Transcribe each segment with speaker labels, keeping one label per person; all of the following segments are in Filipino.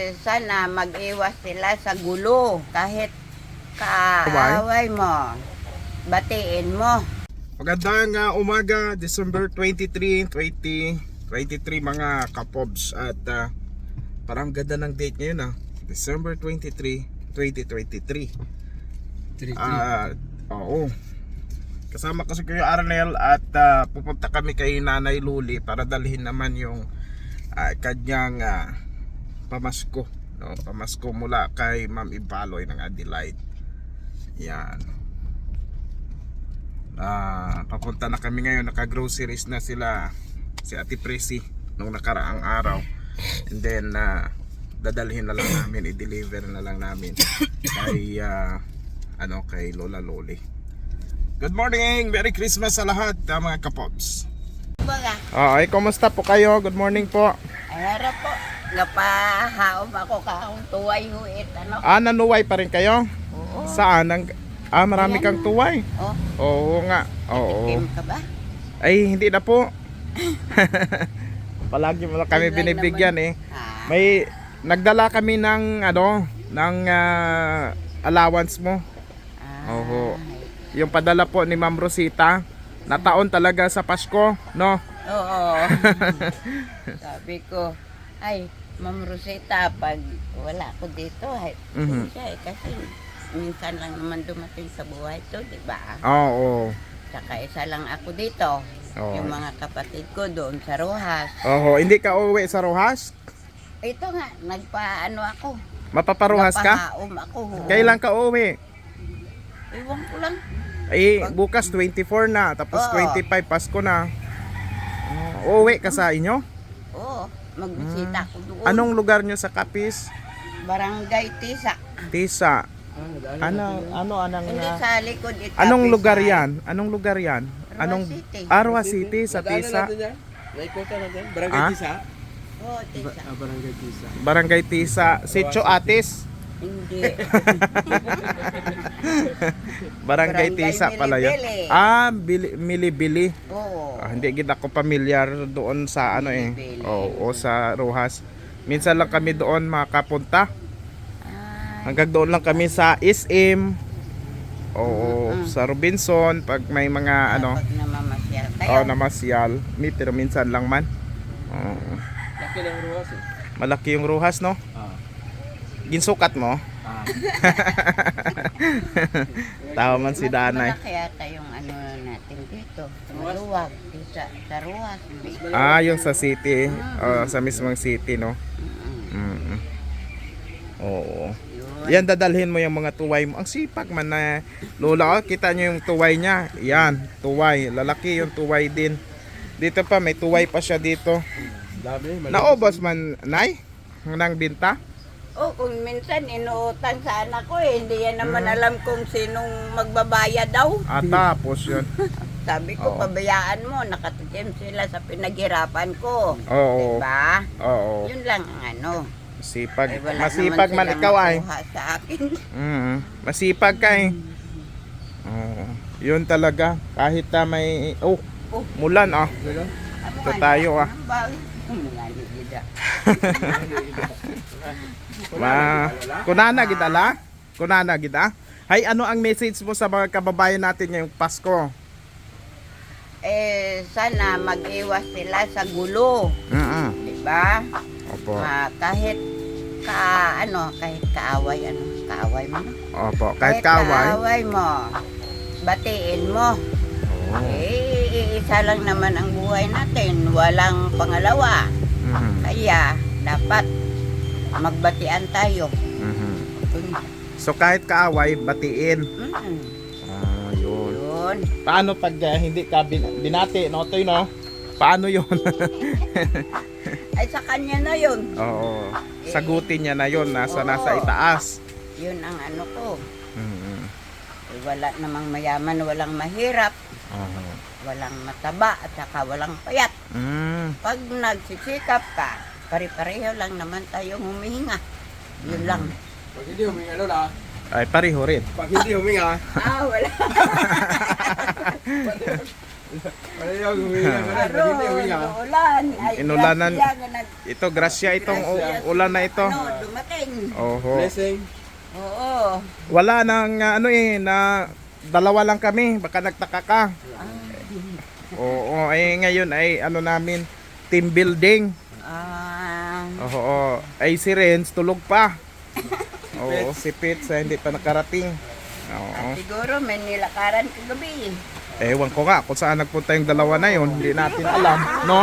Speaker 1: sana mag-iwas sila sa gulo. Kahit kaaway mo, batiin mo.
Speaker 2: Magandang umaga, December 23, 2023 mga kapobs. At parang ganda ng date ngayon December 23, 2023. Oo. Kasama ko si Kuya Arnel at pupunta kami kay Nanay Luli para dalhin naman yung kanyang pamasko, no? Pamasko mula kay Ma'am Ibaloy ng Adelaide. Yan. Papunta na kami ngayon, naka-groceries na sila si Ate Presi nung nakaraang araw. And then dadalhin na lang namin, i-deliver na lang namin kay kay Lola Loli. Good morning! Merry Christmas sa lahat mga kapops.
Speaker 1: Baga,
Speaker 2: Kumusta po kayo? Good morning po.
Speaker 1: ayara po. Napahaom ako kahong tuway huit. Ano?
Speaker 2: Nanuway pa rin kayo?
Speaker 1: Oo.
Speaker 2: Saan? Marami kang tuway.
Speaker 1: Oh,
Speaker 2: Oo nga. Oo.
Speaker 1: Kim ka ba?
Speaker 2: Ay, hindi na po. Palagi mo lang kami
Speaker 1: Yun lang
Speaker 2: binibigyan
Speaker 1: naman.
Speaker 2: May nagdala kami ng allowance mo. Oo. Yung padala po ni Ma'am Rosita na taon talaga sa Pasko, no?
Speaker 1: Oo. Sabi ko, ay, Ma'am Rosita, pag wala ko dito, ay, siya kasi minsan lang naman dumating sa buhay to, di ba?
Speaker 2: Oo.
Speaker 1: Saka isa lang ako dito.
Speaker 2: Oo.
Speaker 1: Yung mga kapatid ko doon sa Rojas.
Speaker 2: Oo, hindi ka uuwi sa Rojas?
Speaker 1: Ito nga, nagpaano ako.
Speaker 2: Mapaparuhas ka?
Speaker 1: Napahaom ako.
Speaker 2: Kailan ka uuwi?
Speaker 1: Iwan ko lang.
Speaker 2: Ay, bukas 24 na, tapos
Speaker 1: Oo.
Speaker 2: 25 Pasko na. Uuwi ka sa inyo?
Speaker 1: Oo, magbisita ako doon.
Speaker 2: Anong lugar nyo sa Capiz?
Speaker 1: Barangay Tisa.
Speaker 2: Tisa.
Speaker 1: Hindi sa likod ito.
Speaker 2: Anong lugar yan? Anong lugar yan? Anong
Speaker 1: City.
Speaker 2: Arwa City sa Tisa?
Speaker 3: Naikutan natin. Barangay
Speaker 2: Ah?
Speaker 3: Tisa.
Speaker 1: Oo, Tisa.
Speaker 3: Barangay Tisa.
Speaker 2: Barangay Tisa, Sitio Atis.
Speaker 1: Hindi.
Speaker 2: Barangay
Speaker 1: Barangay
Speaker 2: Tisa pala yun.
Speaker 1: Milibili.
Speaker 2: Milibili.
Speaker 1: Oo.
Speaker 2: Hindi kita ko pamilyar doon sa
Speaker 1: Milibili.
Speaker 2: Oo, sa Rojas. Minsan lang kami doon makapunta.
Speaker 1: Ay,
Speaker 2: Hanggang doon lang kami sa SM. Oo, sa Robinson pag may mga
Speaker 1: pag namamasyal kayo.
Speaker 2: namasyal. Pero minsan lang man. Oo.
Speaker 3: Laki ng ruwas
Speaker 2: Malaki yung Rojas, no? Ginsukat mo? Tawa man si Danay.
Speaker 1: Malaki yata yung ano natin dito. Maluwag. Sa Ruas.
Speaker 2: Yung sa city. Sa mismong city, no? Oo. Yan, dadalhin mo yung mga tuway mo. Ang sipag man na Lola. Kita nyo yung tuway niya. Yan, tuway. Lalaki yung tuway din. Dito pa, may tuway pa siya dito.
Speaker 3: Dami.
Speaker 2: Naubos man, Nay? Nang binta?
Speaker 1: Oh, kung minsan inuutang sa anak ko hindi yan naman alam kung sinong magbabayad daw.
Speaker 2: Tapos yun.
Speaker 1: Sabi ko,
Speaker 2: Oo.
Speaker 1: pabayaan mo, nakatikim sila sa pinaghirapan ko.
Speaker 2: Oo.
Speaker 1: Diba?
Speaker 2: Oo.
Speaker 1: Yun lang ang ano.
Speaker 2: Masipag.
Speaker 1: Eh, wala
Speaker 2: Masipag
Speaker 1: naman
Speaker 2: man
Speaker 1: silang
Speaker 2: ikaw ay.
Speaker 1: makuha sa akin.
Speaker 2: Masipag ka eh. Oo. Yun talaga. Kahit may... Oh,
Speaker 1: Oh.
Speaker 2: mulan Ito tayo Kunana gidala? Kunana gida? Hay, ano ang message mo sa mga kababayan natin ngayong Pasko?
Speaker 1: Sana mag-iwas sila sa gulo. Diba?
Speaker 2: Opo.
Speaker 1: Kahit kahit kaaway mo.
Speaker 2: Opo. Kahit kaaway.
Speaker 1: kaaway mo, batiin mo. Isa lang naman ang buhay natin, walang pangalawa. Kaya dapat magbatian tayo.
Speaker 2: So kahit kaaway, batiin. Yun.
Speaker 1: Yun.
Speaker 2: Paano pag hindi ka binati, no? Toy, no? Paano yun?
Speaker 1: Ay sa kanya na yun.
Speaker 2: Oo. Sagutin niya na yun, nasa
Speaker 1: Oo.
Speaker 2: itaas.
Speaker 1: Yun ang ano ko. Wala namang mayaman, walang mahirap, walang mataba, at saka walang payat. Pag nagsisikap ka, pare-pareho lang naman tayong humihinga. Yun lang.
Speaker 3: Pag hindi huminga Lola.
Speaker 2: Ay, pareho rin.
Speaker 3: Pag hindi huminga.
Speaker 1: Wala.
Speaker 3: Wala yung huminga. Pag hindi huminga.
Speaker 1: Ulan. Ay,
Speaker 2: Inulanan.
Speaker 1: grasya nga
Speaker 2: Ito, grasya itong ulan na ito.
Speaker 1: dumating din.
Speaker 2: Oho.
Speaker 3: Blessing.
Speaker 1: Oo.
Speaker 2: Wala nang na dalawa lang kami, baka nagtaka ka. Oo, ay ngayon ay namin, team building. Oo, ay si Renz tulog pa. Oo, si Pits hindi pa nakarating. Oo.
Speaker 1: Siguro may nilakaran kagabi.
Speaker 2: Ewan ko nga kung saan nagpunta yung dalawa na yun, hindi natin alam, no?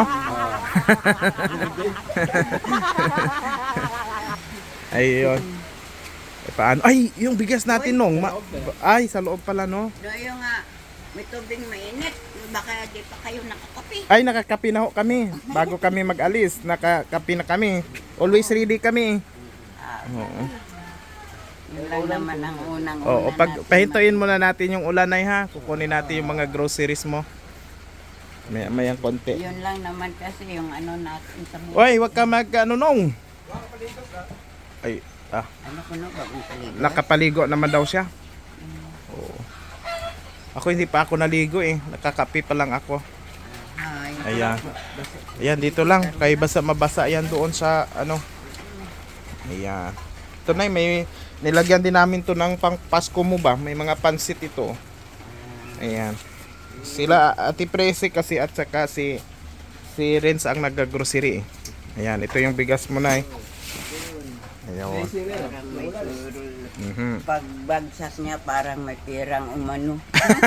Speaker 2: Ayun. Paano? Ay, yung bigas natin nung. Ay, sa loob pala, no?
Speaker 1: No, yung may tubig mainit. Baka di pa kayo nakakapi.
Speaker 2: Ay, nakakapi na ho kami. Bago kami mag-alis, nakakapi na kami. Always ready kami. Oo.
Speaker 1: Yun lang naman ang unang
Speaker 2: Oo, pahintuin muna natin yung ulanay ha. Kukunin natin yung mga groceries mo. Mayang konti.
Speaker 1: Yun lang naman kasi yung natin sa buhay.
Speaker 2: Oy, wag ka nung. Ay,
Speaker 1: Ano ko no, bagong paligo?
Speaker 2: nakapaligo naman daw siya. Oo. Ako hindi pa ako naligo eh. Nakakapi pa lang ako.
Speaker 1: Ay,
Speaker 2: Ayan. Ayan, dito lang. Kay mabasa yan doon sa Ayan. Ito na may nilagyan din namin to ng pang Pasko mo ba? May mga pansit ito. Ayan. Sila Ate Presi kasi at saka si Renz ang nag-grocery eh. Ayan, ito yung bigas mo na eh. Ayan.
Speaker 1: parang may surul.
Speaker 2: Mhm.
Speaker 1: Pagbagsak niya parang may pirang umano.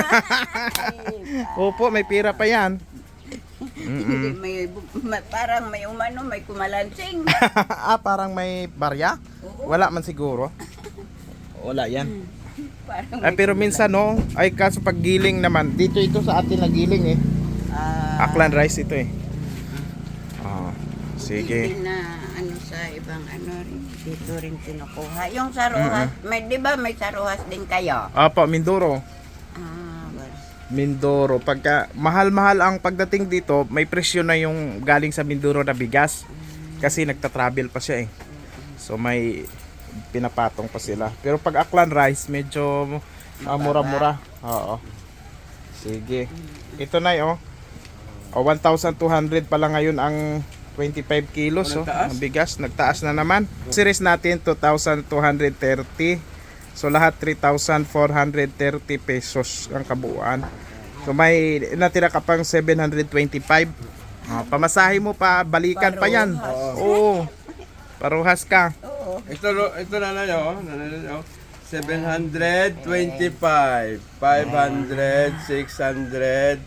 Speaker 2: Opo, may pira pa yan.
Speaker 1: Hindi, parang may umano, may kumalansing.
Speaker 2: Parang may barya? Wala man siguro. Wala yan.
Speaker 1: Parang
Speaker 2: Ay, pero minsan no, ay kaso pag giling naman, dito ito sa atin na giling eh. Aklan rice ito eh. Sige.
Speaker 1: Hindi na sa ibang rin, dito rin kinukuha. Yung saruhas, di ba may saruhas din kayo?
Speaker 2: Opo, Mindoro.
Speaker 1: Well,
Speaker 2: Mindoro. Pagka mahal-mahal ang pagdating dito, may presyo na yung galing sa Mindoro na bigas. Kasi nagta-travel pa siya eh. So may pinapatong pa sila. Pero pag Aklan rice, medyo mura-mura. Oo. Sige. Ito na oh. 1,200 pa lang ngayon ang 25 kilos ang bigas. Nagtaas na naman. Series natin 2,230. So lahat 3,430 pesos ang kabuuan. So may natira ka pang 725. Pamasahe mo pa, balikan pa yan. Oo. Paruhas ka.
Speaker 3: Ito na yun. 725, 500, 600,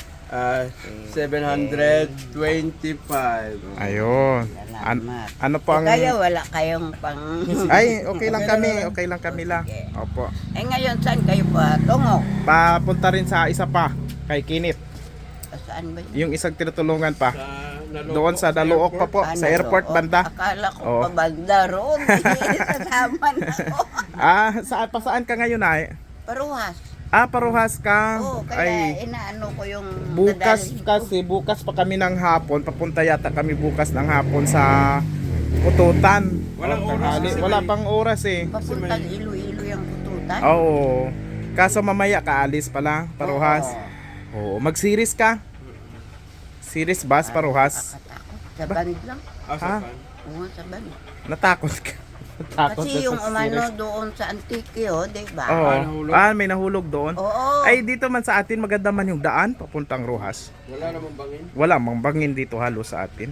Speaker 3: 725.
Speaker 2: Ayun.
Speaker 1: salamat.
Speaker 2: Ano po ang
Speaker 1: Kaya wala kayong pang...
Speaker 2: Ay, okay lang kami. Okay lang kami lang. Opo.
Speaker 1: ngayon saan kayo pa? Tungo.
Speaker 2: Papunta rin sa isa pa kay Kinit.
Speaker 1: Saan ba yun?
Speaker 2: Yung isang tinutulungan pa. Doon sa Daluok pa po, sa airport banda.
Speaker 1: Akala ko
Speaker 2: Oo.
Speaker 1: pa banda roon. Sasama na ako.
Speaker 2: Saan ka ngayon ay?
Speaker 1: Paruhas.
Speaker 2: Paruhas ka.
Speaker 1: Oo, kaya
Speaker 2: Ay,
Speaker 1: inaano ko yung...
Speaker 2: bukas
Speaker 1: dadalhin ko.
Speaker 2: kasi, bukas pa kami ng hapon. Papunta yata kami bukas ng hapon sa Kututan.
Speaker 3: Walang
Speaker 2: O,
Speaker 3: oras
Speaker 2: tanghali.
Speaker 3: kasi
Speaker 2: Wala
Speaker 3: may-
Speaker 2: pang oras eh.
Speaker 1: Papuntang Iloilo yung kututan.
Speaker 2: Oo. Kaso mamaya kaalis pala, Paruhas. Oo. Mag-series ka? Series bus, Paruhas.
Speaker 1: Nakatakot. Sa band lang.
Speaker 2: Ha?
Speaker 1: Oo, sa band.
Speaker 2: Natakot ka. Natakot
Speaker 1: Kasi
Speaker 2: ka
Speaker 1: yung
Speaker 2: sa
Speaker 1: umano
Speaker 2: series.
Speaker 1: doon sa Antique, di ba?
Speaker 2: Oo.
Speaker 3: nahulog?
Speaker 2: May nahulog doon.
Speaker 1: Oo.
Speaker 2: Ay, dito man sa atin maganda man yung daan papuntang Rojas.
Speaker 3: Wala namang bangin.
Speaker 2: Wala mang bangin dito halos sa atin.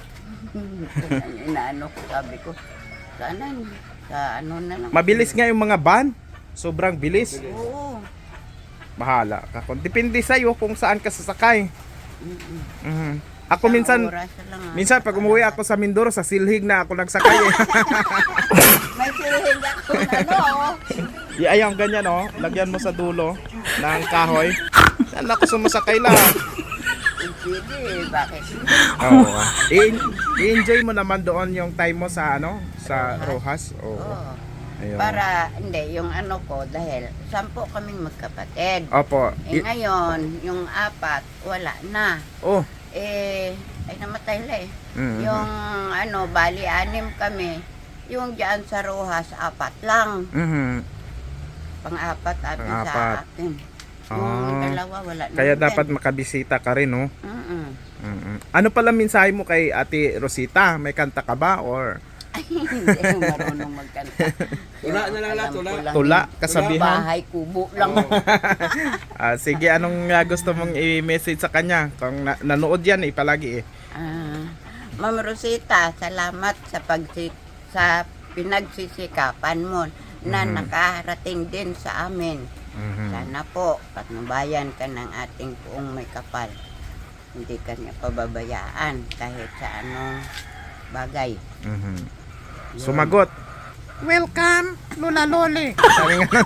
Speaker 1: Inaano ko, sabi ko, sana sa ano na lang.
Speaker 2: Mabilis nga yung mga van. Sobrang bilis.
Speaker 1: Oo.
Speaker 2: Bahala ka. Depende sa'yo kung saan ka sasakay. Ako minsan,
Speaker 1: Oras lang,
Speaker 2: minsan pag umuwi ako sa Mindoro, sa Silhig na ako nagsakay eh.
Speaker 1: May silhig ako na
Speaker 2: Ayang ganyan oh, lagyan mo sa dulo ng kahoy. Saan ako sumasakay lang.
Speaker 1: Pwede, bakit?
Speaker 2: Oo. I-enjoy mo naman doon yung time mo sa sa Rojas. Oo.
Speaker 1: Oo.
Speaker 2: Ayun.
Speaker 1: Para, hindi, yung ano ko, dahil 10 kaming magkapatid.
Speaker 2: Opo.
Speaker 1: Ngayon, yung 4, wala na.
Speaker 2: Oh.
Speaker 1: Ay namatay la eh.
Speaker 2: Mhm.
Speaker 1: Yung bali 6 kami. Yung diyan sa Rojas, 4 lang.
Speaker 2: Mhm.
Speaker 1: Pang-4 atin
Speaker 2: Pang-apat.
Speaker 1: sa atin. Yung
Speaker 2: Ah.
Speaker 1: dalawa, wala na.
Speaker 2: Kaya
Speaker 1: din.
Speaker 2: dapat makabisita ka rin, no?
Speaker 1: Mm-mm.
Speaker 2: Ano pala mensahe mo kay Ate Rosita? May kanta ka ba or
Speaker 1: Hindi ako marunong magkanta.
Speaker 3: Tula na lang lahat,
Speaker 1: Alam ko
Speaker 3: tula.
Speaker 1: lang
Speaker 2: Tula,
Speaker 1: yung
Speaker 2: kasabihan.
Speaker 1: Bahay, kubo lang.
Speaker 2: Sige, anong gusto mong i-message sa kanya? Kung nanood yan palagi
Speaker 1: Ma'am Rosita, salamat sa sa pinagsisikapan mo na nakarating din sa amin. Sana po, patnubayan ka ng ating puong may kapal. Hindi ka niya pababayaan kahit sa anong bagay.
Speaker 2: Sumagot. Welcome, Lola Loli. Sabi nga.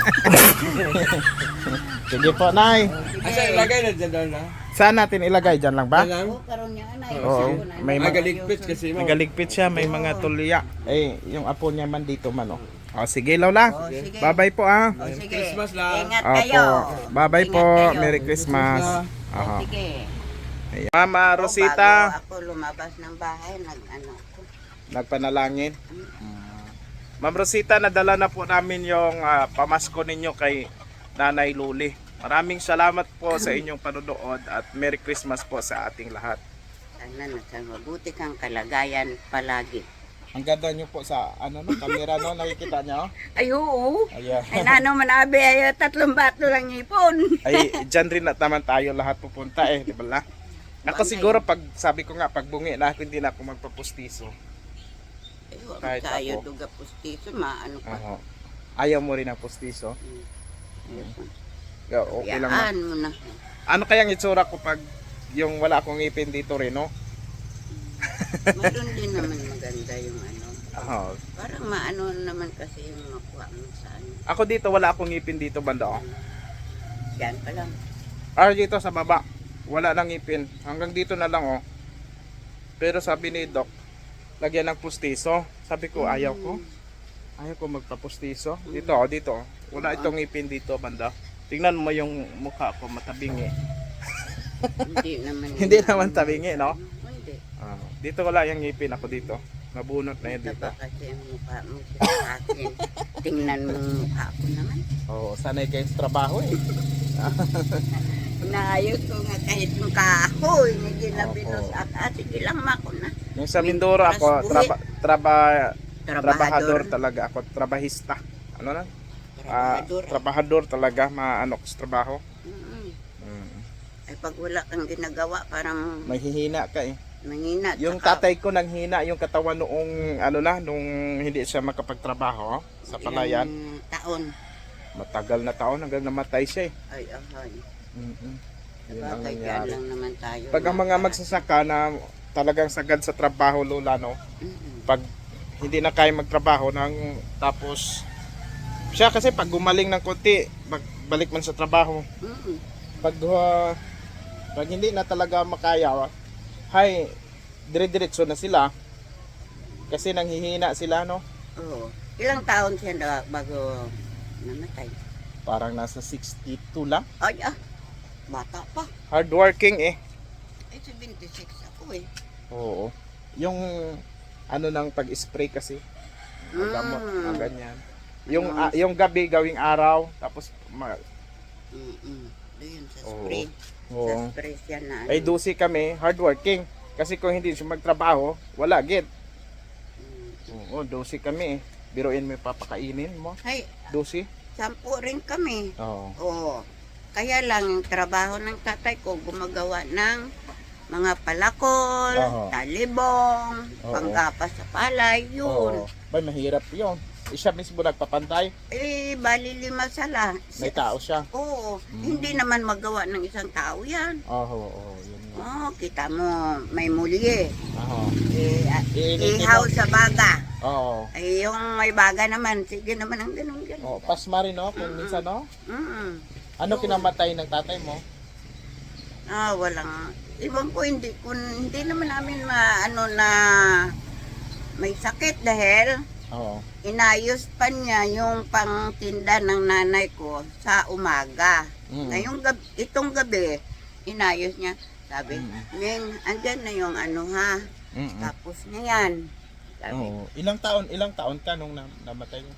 Speaker 2: Sige po, Nay.
Speaker 3: Asa ilagay na dyan daw na?
Speaker 2: Saan natin ilagay? Dyan lang ba?
Speaker 3: Yan lang?
Speaker 1: Oo, karoon niya, anay.
Speaker 2: Oo, may mga-
Speaker 3: Magaligpit kasi mo.
Speaker 2: Nagaligpit siya, may mga tulya. Yung apo niya man dito man. Sige, Lola.
Speaker 1: Oh, sige.
Speaker 2: Bye-bye po
Speaker 1: Oh, sige.
Speaker 3: Christmas lang.
Speaker 1: Ingat
Speaker 2: Opo.
Speaker 1: kayo.
Speaker 2: Bye-bye
Speaker 1: Ingat
Speaker 2: po.
Speaker 1: kayo.
Speaker 2: Merry Christmas.
Speaker 1: Oh,
Speaker 2: Aha.
Speaker 1: sige.
Speaker 2: Ayan. Mama
Speaker 1: Bago
Speaker 2: Rosita,
Speaker 1: ako lumabas ng bahay, ako.
Speaker 2: nagpanalangin. Ma'am Rosita, nadala na po namin yung pamasko ninyo kay Nanay Luli. Maraming salamat po sa inyong panonood at Merry Christmas po sa ating lahat.
Speaker 1: Sana nasa mabuti kang kalagayan palagi.
Speaker 2: Ang ganda nyo po sa camera no, nakikita nyo?
Speaker 1: Ay, oo.
Speaker 2: Ayan.
Speaker 1: Ay, nano manabi, ay, 3 bato lang ipon.
Speaker 2: Ay, dyan rin naman tayo lahat pupunta di ba la? Ako siguro pag sabi ko nga pag bungi na ako hindi na ako magpapustiso.
Speaker 1: Ay,
Speaker 2: Kahit
Speaker 1: tayo
Speaker 2: ako.
Speaker 1: duga pustiso, maano pa.
Speaker 2: Aho. Ayaw mo rin ang pustiso? Okay lang.
Speaker 1: Yaan mo na.
Speaker 2: Ano kayang itsura ko pag yung wala akong ngipin dito rin, no?
Speaker 1: Meron din naman maganda yung ano.
Speaker 2: Aho.
Speaker 1: Parang maano naman kasi yung makuha mo sa ano.
Speaker 2: Ako dito wala akong ngipin dito banda, oh.
Speaker 1: Yan pa lang.
Speaker 2: Dito sa baba, wala nang ngipin. Hanggang dito na lang, oh. Pero sabi ni Doc, lagyan ng pustiso. Sabi ko, ayaw ko. Ayaw ko magpapustiso. Dito, oh, dito. Oh. Wala itong ngipin dito, banda. Tingnan mo yung mukha ko, matabingi.
Speaker 1: Hindi naman.
Speaker 2: Hindi naman tabingi, no?
Speaker 1: Hindi.
Speaker 2: Dito wala yung ngipin ako dito. Nabunot na yun dito.
Speaker 1: Taba kasi ang mukha mo sa akin. Tingnan mo ang mukha ko naman.
Speaker 2: Oo, sanay kayo sa trabaho eh.
Speaker 1: Naayos ko nga kahit yung kahoy na ginabinos
Speaker 2: Opo.
Speaker 1: at sige lang mako na.
Speaker 2: Yung sa Mindoro ako, trabahador
Speaker 1: Trabahador.
Speaker 2: talaga ako, trabahista. Ano na?
Speaker 1: Trabahador.
Speaker 2: Trabahador talaga, maano ko sa trabaho.
Speaker 1: Ay pag wala kang ginagawa parang
Speaker 2: Mahihina ka eh.
Speaker 1: manghina.
Speaker 2: Yung
Speaker 1: Tsaka
Speaker 2: tatay ko nanghina yung katawan noong nung hindi siya makapagtrabaho sa palayan.
Speaker 1: ilang taon.
Speaker 2: Matagal na taon hanggang namatay siya eh.
Speaker 1: Ay, ahay.
Speaker 2: Yun ang
Speaker 1: Sabagay, yan
Speaker 2: nangyari.
Speaker 1: lang naman tayo.
Speaker 2: Pag ang mga magsasaka na talagang sagad sa trabaho, Lola, no? Pag hindi na kaya magtrabaho tapos siya kasi pag gumaling ng konti, balik man sa trabaho. Pag hindi na talaga makaya, dire-diretso na sila. Kasi nanghihina sila, no?
Speaker 1: Oo. Ilang taon siya na bago namatay?
Speaker 2: Parang nasa 62 lang.
Speaker 1: Ay, bata pa.
Speaker 2: Hardworking eh.
Speaker 1: Ay, 76 ako eh.
Speaker 2: Oo. Yung ng pag-spray kasi. Gamot, ang ganyan. Yung gabi gawing araw, tapos
Speaker 1: Doon sa
Speaker 2: Oo.
Speaker 1: spray. Sa
Speaker 2: Oo.
Speaker 1: spray siya na.
Speaker 2: Ay dusi kami, hardworking. Kasi kung hindi siya magtrabaho, wala gid. Oo, dusi kami eh. Biruin mo yung papakainin mo.
Speaker 1: Ay,
Speaker 2: Dusi.
Speaker 1: 10 rin kami.
Speaker 2: Oo.
Speaker 1: Oo. Kaya lang yung trabaho ng tatay ko gumagawa ng mga palakol,
Speaker 2: Oo.
Speaker 1: talibong,
Speaker 2: Oo.
Speaker 1: panggapas sa palay, yun.
Speaker 2: Oo. Bay, mahirap yun. Siya mismo nagpapantay.
Speaker 1: Eh, bali 5 sala.
Speaker 2: May tao siya.
Speaker 1: Oo. Hindi naman magawa ng isang tao yan.
Speaker 2: Oo, yun nga.
Speaker 1: Oo, kita mo, may muli eh.
Speaker 2: Oo. Iinitin
Speaker 1: Ihaw
Speaker 2: mo.
Speaker 1: sa baga.
Speaker 2: Oo.
Speaker 1: Ay, yung may baga naman, sige naman ang ganun.
Speaker 2: Oh, pasma rin, no? Kung minsan, no?
Speaker 1: Mm.
Speaker 2: Ano kinamatay ng tatay mo?
Speaker 1: Walang, ibang ko hindi naman namin maano na may sakit dahil
Speaker 2: Oo.
Speaker 1: inayos pa niya yung pangtinda ng nanay ko sa umaga. Ngayong gabi, itong gabi, inayos niya. Sabi, Ning, andyan na yung ano ha. Tapos na yan. Sabi,
Speaker 2: Oo. Ilang taon ka nung namatay mo?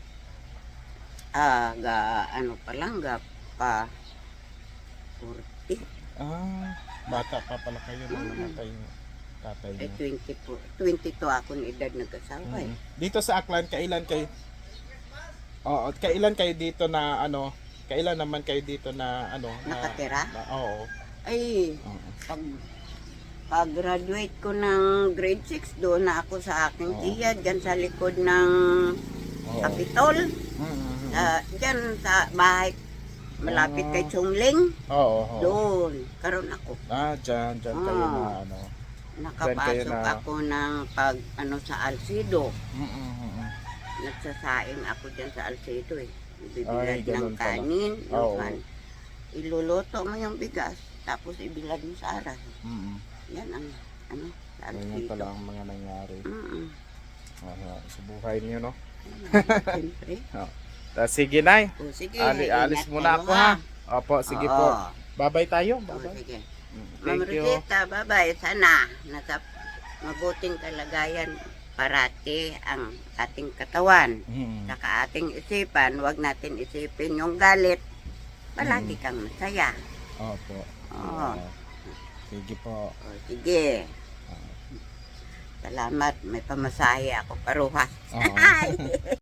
Speaker 1: ano pa lang, pa 40.
Speaker 2: Bata pa pala kayo nung namatay mo. tatay
Speaker 1: Ay,
Speaker 2: niyo?
Speaker 1: 22 ako ng edad nag-asawa eh.
Speaker 2: Dito sa Aklan, kailan kayo? Oo, kailan kayo dito na ano? Kailan naman kayo dito na ano?
Speaker 1: Nakatira?
Speaker 2: Oo.
Speaker 1: Ay,
Speaker 2: Oo.
Speaker 1: pag-graduate ko ng grade 6, doon na ako sa aking
Speaker 2: Oo.
Speaker 1: tiya, dyan sa likod ng
Speaker 2: Oo.
Speaker 1: Kapitol.
Speaker 2: Mm-mm.
Speaker 1: Dyan sa bahay, malapit kay Chongling.
Speaker 2: Oo. Oo.
Speaker 1: Doon, karon ako.
Speaker 2: Dyan kayo
Speaker 1: Oo.
Speaker 2: na ano.
Speaker 1: Nakapasok
Speaker 2: na-
Speaker 1: ako ng sa Alcido.
Speaker 2: Mm-mm.
Speaker 1: Nagsasaing ako dyan sa Alcido eh.
Speaker 2: Ay,
Speaker 1: Ibibilad
Speaker 2: ganun
Speaker 1: ng
Speaker 2: pala.
Speaker 1: kanin.
Speaker 2: Oo.
Speaker 1: Yung iluluto mo yung bigas, tapos ibilad mo sa aras.
Speaker 2: Mm-mm.
Speaker 1: Yan ang sa
Speaker 2: Ganyan
Speaker 1: Alcido.
Speaker 2: pala ang mga nangyari
Speaker 1: Mm-mm.
Speaker 2: sa buhay niyo, no?
Speaker 1: Siyempre.
Speaker 2: Sige, Nay.
Speaker 1: O sige,
Speaker 2: Alis
Speaker 1: ingat
Speaker 2: muna
Speaker 1: kayo,
Speaker 2: ako, ha? Opo, sige
Speaker 1: Oo.
Speaker 2: po. Bye-bye tayo.
Speaker 1: O,
Speaker 2: Bye-bye.
Speaker 1: sige.
Speaker 2: Thank
Speaker 1: Ma'am
Speaker 2: you.
Speaker 1: Rosita, bye-bye. Sana nasa mabuting kalagayan parati ang ating katawan.
Speaker 2: Mm.
Speaker 1: Saka ating isipan, huwag natin isipin yung galit. Palagi kang masaya.
Speaker 2: Opo.
Speaker 1: Oo.
Speaker 2: Sige po.
Speaker 1: O, sige. Salamat, may pamasahe ako paruhas.
Speaker 2: Oo.